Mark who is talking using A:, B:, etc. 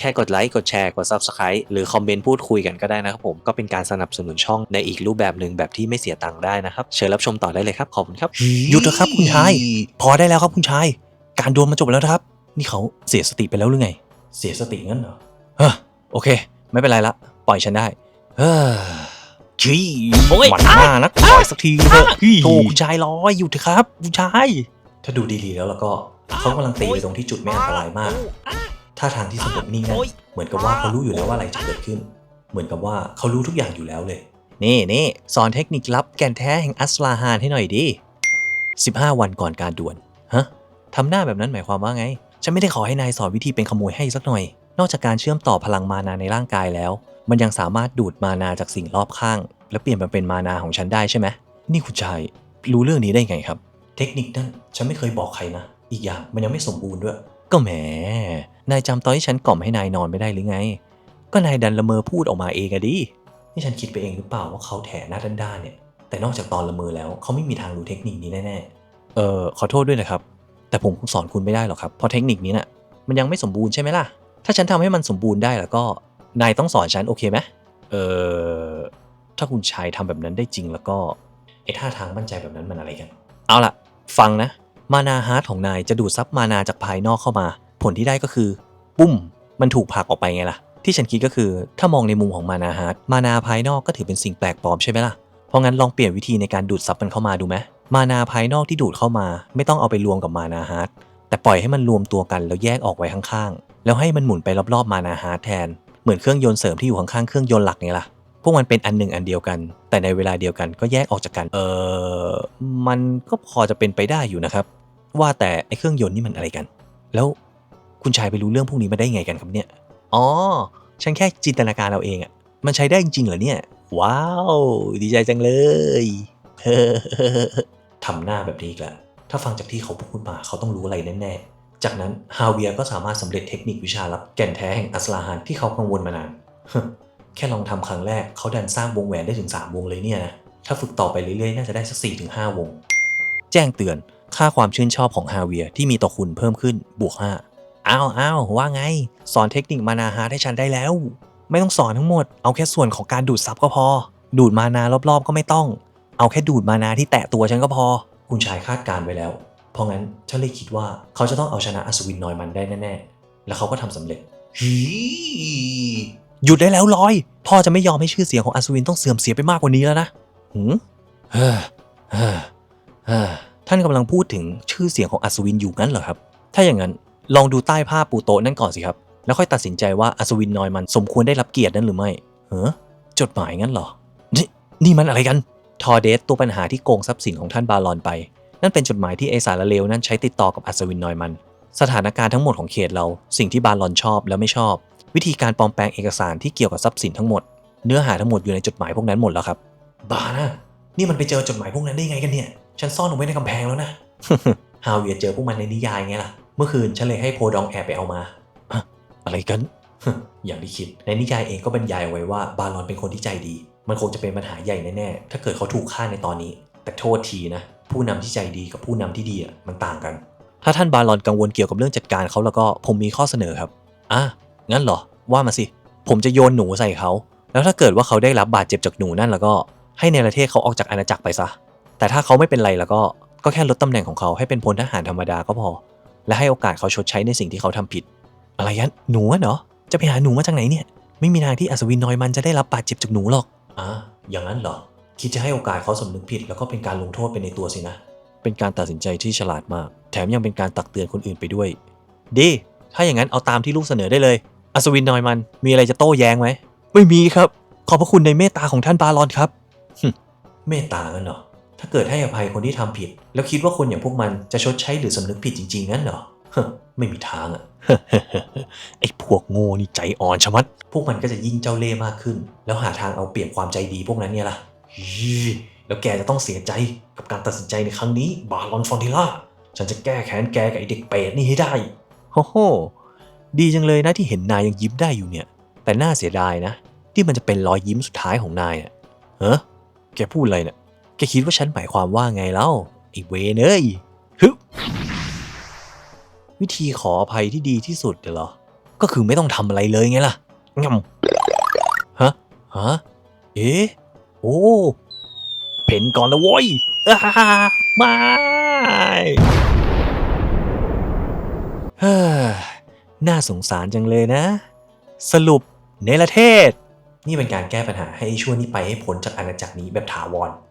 A: ค่กดไลค์กดแชร์กด Subscribe หรือคอมเมนต์พูดคุยกันก็ได้นะครับผมก็เป็นการสนับสนุนช่องในอีกรูปแบบหนึ่งแบบที่ไม่เสียตังค์ได้นะครับเชิญรับชมต่อได้เลยครับขอบคุณครับ
B: หยุดเถอะครับคุณชายพอได้แล้วครับคุณชายการดวลมาจบแล้วนะครับนี่เขาเสียสติไปแล้วหรือไงเสียสติงั้นเหรอโอเคไม่เป็นไรละปล่อยฉันได้ชี้หมันหน้านักปล่อยสักทีเถอะโธ่คุณชายร้อยหยุดเถอะครับคุณชายถ้าดูดีๆแล้วก็เขากำลังตีไปตรงที่จุดไม่อันตรายมากท่าทางที่สงบนิ่งนั้นเหมือนกับว่าเขารู้อยู่แล้วว่าอะไรจะเกิดขึ้นเหมือนกับว่าเขารู้ทุกอย่างอยู่แล้วเลยนี่สอนเทคนิคลับแก่นแท้แห่งอัสลาฮานให้หน่อยดิ15 วันก่อนการดวลฮะทำหน้าแบบนั้นหมายความว่าไงฉันไม่ได้ขอให้นายสอนวิธีเป็นขโมยให้สักหน่อยนอกจากการเชื่อมต่อพลังมานาในร่างกายแล้วมันยังสามารถดูดมานาจากสิ่งรอบข้างแล้วเปลี่ยนมาเป็นมานาของฉันได้ใช่ไหมนี่คุณชายรู้เรื่องนี้ได้ไงครับเทคนิคนั้นฉันไม่เคยบอกใครนะอีกอย่างมันยังไม่สมบูรณ์ด้วยก็แหมนายจำตอนที่ฉันกล่อมให้นายนอนไม่ได้หรือไงก็นายดันละเมอพูดออกมาเองอะดินี่ฉันคิดไปเองหรือเปล่าว่าเขาแถหน้าด้านๆเนี่ยแต่นอกจากตอนละเมอแล้วเขาไม่มีทางรู้เทคนิคนี้แน่ๆขอโทษด้วยนะครับแต่ผมคงสอนคุณไม่ได้หรอกครับเพราะเทคนิคนี้น่ะมันยังไม่สมบูรณ์ใช่ไหมล่ะถ้าฉันทำให้มันสมบูรณ์ได้แล้วก็นายต้องสอนฉันโอเคไหมถ้าคุณชายทำแบบนั้นได้จริงแล้วก็ไอ้ท่าทางมั่นใจแบบนั้นมันอะไรกันเอาล่ะฟังนะมานาฮาร์ทของนายจะดูดซับมานาจากภายนอกเข้ามาผลที่ได้ก็คือปุ้มมันถูกผลักออกไปไงล่ะที่ฉันคิดก็คือถ้ามองในมุมของมานาฮาร์ทมานาภายนอกก็ถือเป็นสิ่งแปลกปลอมใช่ไหมล่ะเพราะงั้นลองเปลี่ยนวิธีในการดูดซับมันเข้ามาดูไหมมานาภายนอกที่ดูดเข้ามาไม่ต้องเอาไปรวมกับมานาฮาร์ทแต่ปล่อยให้มันรวมตัวกันแล้วแยกออกไว้ข้างๆแล้วให้มันหมุนไปรอบๆมานาฮาร์ทแทนเหมือนเครื่องยนต์เสริมที่อยู่ข้างๆเครื่องยนต์หลักไงล่ะพวกมันเป็นอันหนึ่งอันเดียวกันแต่ในเวลาเดียวกันก็แยกออกจากกันมันก็พอจะเป็นไปได้อยู่นะครับว่าแต่ไอ้เครื่องยนต์นี่มันอะไรกันแล้วคุณชายไปรู้เรื่องพวกนี้มาได้ไงกันครับเนี่ยอ๋อฉันแค่จินตนาการเอาเองอะมันใช้ได้จริงๆเหรอเนี่ยว้าวดีใจจังเลยทำหน้าแบบนี้อีกแล้วถ้าฟังจากที่เขาพูดมาเขาต้องรู้อะไรแน่ๆจากนั้นฮาเวียร์ก็สามารถสำเร็จเทคนิควิชาลับแก่นแท้แห่งอัสลาฮานที่เขากังวลมานาน แค่ลองทำครั้งแรกเขาดันสร้างวงแหวนได้ถึง3 วงเลยเนี่ยนะถ้าฝึกต่อไปเรื่อยๆน่าจะได้สัก 4-5 วงแจ้งเตือนค่าความชื่นชอบของฮาเวียที่มีต่อคุณเพิ่มขึ้นบวก5อ้าวว่าไงสอนเทคนิคมานาฮาร์ทให้ฉันได้แล้วไม่ต้องสอนทั้งหมดเอาแค่ส่วนของการดูดซับก็พอดูดมานารอบๆก็ไม่ต้องเอาแค่ดูดมานาที่แตะตัวฉันก็พอคุณชายคาดการไว้แล้วเพราะงั้นฉันเลยคิดว่าเขาจะต้องเอาชนะอัศวินนอยมันได้แน่ๆแล้วเขาก็ทำสำเร็จหยุดได้แล้วลอยพ่อจะไม่ยอมให้ชื่อเสียงของอัศวินต้องเสื่อมเสียไปมากกว่านี้แล้วนะเฮ้อเฮ้อเฮ้อท่านกำลังพูดถึงชื่อเสียงของอัศวินอยู่งั้นเหรอครับถ้าอย่างนั้นลองดูใต้ผ้าปูโต๊ะนั่นก่อนสิครับแล้วค่อยตัดสินใจว่าอัศวินนอยมันสมควรได้รับเกียรตินั้นหรือไม่จดหมายงั้นเหรอนี่มันอะไรกันทอเดสตัวปัญหาที่โกงทรัพย์สินของท่านบารอนไปนั่นเป็นจดหมายที่ไอสารเลวนั้นใช้ติดต่อกับอัศวินนอยมันสถานการณ์ทั้งหมดของเขตเราสิ่งที่บารอนชอบและไม่ชอบวิธีการปลอมแปลงเอกสารที่เกี่ยวกับทรัพย์สินทั้งหมดเนื้อหาทั้งหมดอยู่ในจดหมายพวกนั้นหมดแล้วครับบ้านะนี่มันไปเจอจดหมายพวกนั้นได้ไงกันเนี่ยฉันซ่อนเอาไว้ในกำแพงแล้วนะ ฮาเวียร์เจอพวกมันในนิยายไงล่ะเมื่อคืนฉันเลยให้โพดองแอบไปเอามาอะไรกัน อย่างที่คิดในนิยายเองก็บรรยายเอาไว้ว่าบารอนเป็นคนที่ใจดีมันคงจะเป็นปัญหาใหญ่แน่ๆถ้าเกิดเขาถูกฆ่าในตอนนี้แต่โทษทีนะผู้นำที่ใจดีกับผู้นำที่ดีมันต่างกันถ้าท่านบารอนกังวลเกี่ยวกับเรื่องจัดการเขาแล้วก็ผมมีข้อเสนอครับงั้นเหรอว่ามาสิผมจะโยนหนูใส่เขาแล้วถ้าเกิดว่าเขาได้รับบาดเจ็บจากหนูนั่นแล้วก็ให้เนรเทศเขาออกจากอาณาจักรไปซะแต่ถ้าเขาไม่เป็นไรแล้วก็แค่ลดตำแหน่งของเขาให้เป็นพลทหารธรรมดาก็พอและให้โอกาสเขาชดใช้ในสิ่งที่เขาทำผิดอะไรกันหนูเหรอจะไปหาหนูมาจากไหนเนี่ยไม่มีทางที่อัศวินนอยมันจะได้รับบาดเจ็บจากหนูหรอกอย่างนั้นเหรอคิดจะให้โอกาสเขาสำนึกผิดแล้วก็เป็นการลงโทษไปในตัวสินะเป็นการตัดสินใจที่ฉลาดมากแถมยังเป็นการตักเตือนคนอื่นไปด้วยดีถ้าอย่างนั้นเอาตามที่ลูกเสนอได้เลยอัศวินนอยมันมีอะไรจะโต้แย้งไหมไม่มีครับขอบพระคุณในเมตตาของท่านบารอนครับเมตตากันเหรอถ้าเกิดให้อภัยคนที่ทำผิดแล้วคิดว่าคนอย่างพวกมันจะชดใช้หรือสำนึกผิดจริงๆงั้นเหรอไม่มีทางอะ ไอ้พวกโง่นี่ใจอ่อนชะมัดพวกมันก็จะยิ่งเจ้าเล่ห์มากขึ้นแล้วหาทางเอาเปรียบความใจดีพวกนั้นเนี่ยล่ะแล้วแกจะต้องเสียใจกับการตัดสินใจในครั้งนี้บารอนฟอนติล่าฉันจะแก้แค้นแกกับไอ้เด็กเปรตนี่ให้ได้โอ้โหดีจังเลยนะที่เห็นนายยังยิ้มได้อยู่เนี่ยแต่น่าเสียดายนะที่มันจะเป็นรอยยิ้มสุดท้ายของนายแกพูดอะไรเนี่ยแกคิดว่าฉันหมายความว่าไงเล่าไอ้เวนวิธีขออภัยที่ดีที่สุดเหรอก็คือไม่ต้องทำอะไรเลยไงล่ะงำฮะเอ๊ะโอ้เพ่นก่อนนะโว้ยไม่เฮ้อน่าสงสารจังเลยนะ สรุปเนรเทศ นี่เป็นการแก้ปัญหาให้ชั่วนี้ไปให้พ้นจากอาณาจักรนี้แบบถาวร